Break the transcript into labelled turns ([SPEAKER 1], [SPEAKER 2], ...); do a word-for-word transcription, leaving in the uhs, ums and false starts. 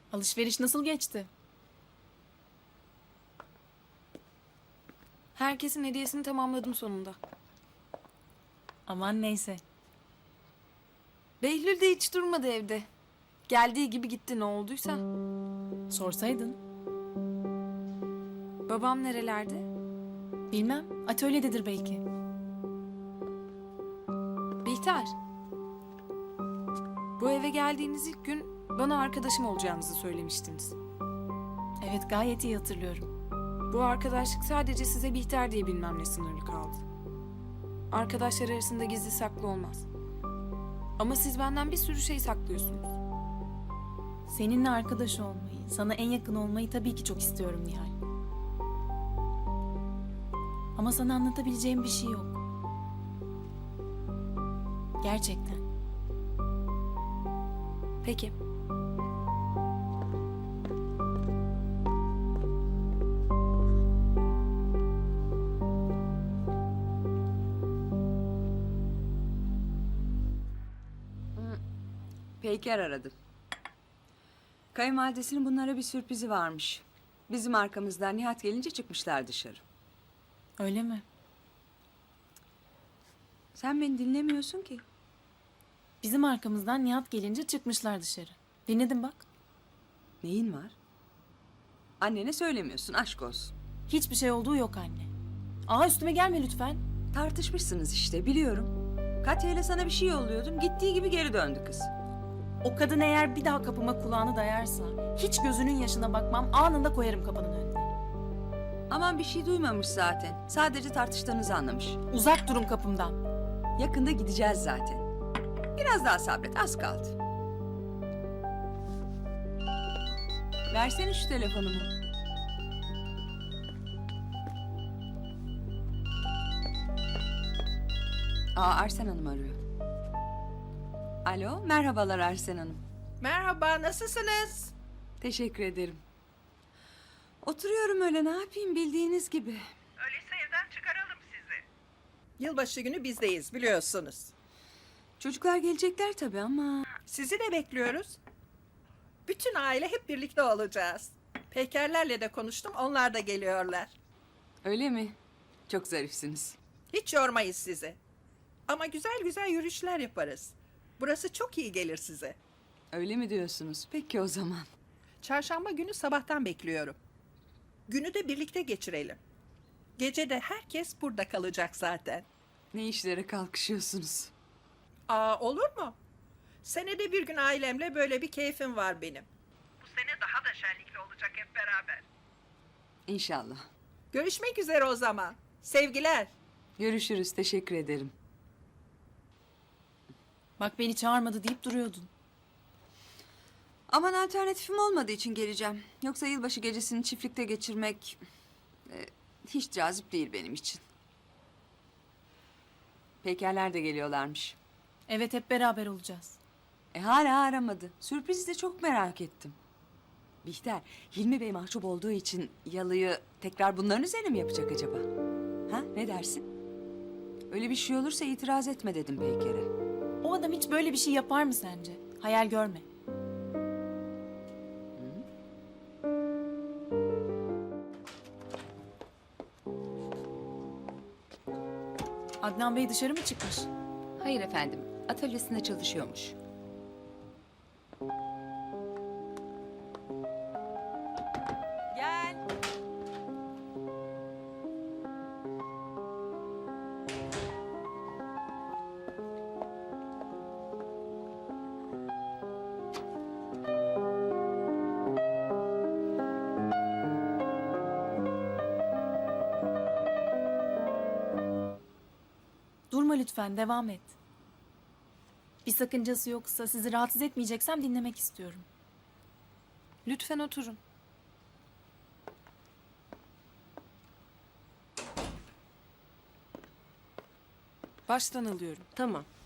[SPEAKER 1] Alışveriş nasıl geçti?
[SPEAKER 2] Herkesin hediyesini tamamladım sonunda.
[SPEAKER 1] Aman neyse.
[SPEAKER 2] Behlül de hiç durmadı evde. Geldiği gibi gitti ne olduysa.
[SPEAKER 1] Sorsaydın.
[SPEAKER 2] Babam nerelerde?
[SPEAKER 1] Bilmem. Atölyededir belki.
[SPEAKER 2] Bihter. Bu eve geldiğiniz ilk gün bana arkadaşım olacağınızı söylemiştiniz.
[SPEAKER 1] Evet, gayet iyi hatırlıyorum.
[SPEAKER 2] Bu arkadaşlık sadece size Bihter diye bilmemle sınırlı kaldı. Arkadaşlar arasında gizli saklı olmaz. Ama siz benden bir sürü şey saklıyorsunuz.
[SPEAKER 1] Seninle arkadaş olmayı, sana en yakın olmayı tabii ki çok istiyorum Nihal. Ama sana anlatabileceğim bir şey yok. Gerçekten.
[SPEAKER 2] Peki.
[SPEAKER 3] Peyker aradı. Kayınvalidesinin bunlara bir sürprizi varmış. Bizim arkamızdan Nihat gelince çıkmışlar dışarı.
[SPEAKER 1] Öyle mi?
[SPEAKER 3] Sen beni dinlemiyorsun ki.
[SPEAKER 1] Bizim arkamızdan Nihat gelince çıkmışlar dışarı. Dinledim bak.
[SPEAKER 3] Neyin var? Annene söylemiyorsun, aşk olsun.
[SPEAKER 1] Hiçbir şey olduğu yok anne. Aa, üstüme gelme lütfen.
[SPEAKER 3] Tartışmışsınız işte, biliyorum. Katya ile sana bir şey yolluyordum, gittiği gibi geri döndü kız.
[SPEAKER 1] O kadın eğer bir daha kapıma kulağını dayarsa hiç gözünün yaşına bakmam, anında koyarım kapının önüne.
[SPEAKER 3] Aman bir şey duymamış zaten. Sadece tartıştığınızı anlamış.
[SPEAKER 1] Uzak durun kapımdan.
[SPEAKER 3] Yakında gideceğiz zaten. Biraz daha sabret, az kaldı. Versene şu telefonumu. Aa, Arsen Hanım arıyor. Alo, merhabalar Arsen Hanım.
[SPEAKER 4] Merhaba, nasılsınız?
[SPEAKER 3] Teşekkür ederim. Oturuyorum öyle, ne yapayım bildiğiniz gibi.
[SPEAKER 4] Öyleyse evden çıkaralım sizi. Yılbaşı günü bizdeyiz, biliyorsunuz.
[SPEAKER 3] Çocuklar gelecekler tabii ama...
[SPEAKER 4] Sizi de bekliyoruz. Bütün aile hep birlikte olacağız. Peykerlerle de konuştum, onlar da geliyorlar.
[SPEAKER 3] Öyle mi? Çok zarifsiniz.
[SPEAKER 4] Hiç yormayız sizi. Ama güzel güzel yürüyüşler yaparız. Burası çok iyi gelir size.
[SPEAKER 3] Öyle mi diyorsunuz? Peki o zaman.
[SPEAKER 4] Çarşamba günü sabahtan bekliyorum. Günü de birlikte geçirelim. Gece de herkes burada kalacak zaten.
[SPEAKER 3] Ne işlere kalkışıyorsunuz?
[SPEAKER 4] Aa, olur mu? Senede bir gün ailemle böyle bir keyfim var benim. Bu sene daha da şenlikli olacak hep beraber.
[SPEAKER 3] İnşallah.
[SPEAKER 4] Görüşmek üzere o zaman. Sevgiler.
[SPEAKER 3] Görüşürüz, teşekkür ederim.
[SPEAKER 1] Bak, beni çağırmadı deyip duruyordun.
[SPEAKER 3] Aman alternatifim olmadığı için geleceğim. Yoksa yılbaşı gecesini çiftlikte geçirmek... e, hiç cazip değil benim için. Peykerler de geliyorlarmış.
[SPEAKER 1] Evet, hep beraber olacağız.
[SPEAKER 3] E hala aramadı. Sürprizi de çok merak ettim. Bihter, Hilmi Bey mahcup olduğu için yalıyı tekrar bunların üzerine mi yapacak acaba? Ha, ne dersin? Öyle bir şey olursa itiraz etme dedim Peyker'e.
[SPEAKER 1] O adam hiç böyle bir şey yapar mı sence? Hayal görme. Adnan Bey dışarı mı çıkmış?
[SPEAKER 5] Hayır efendim, atölyesinde çalışıyormuş.
[SPEAKER 3] Gel.
[SPEAKER 1] Durma lütfen, devam et. Bir sakıncası yoksa, sizi rahatsız etmeyeceksem dinlemek istiyorum.
[SPEAKER 2] Lütfen oturun. Baştan alıyorum.
[SPEAKER 6] Tamam.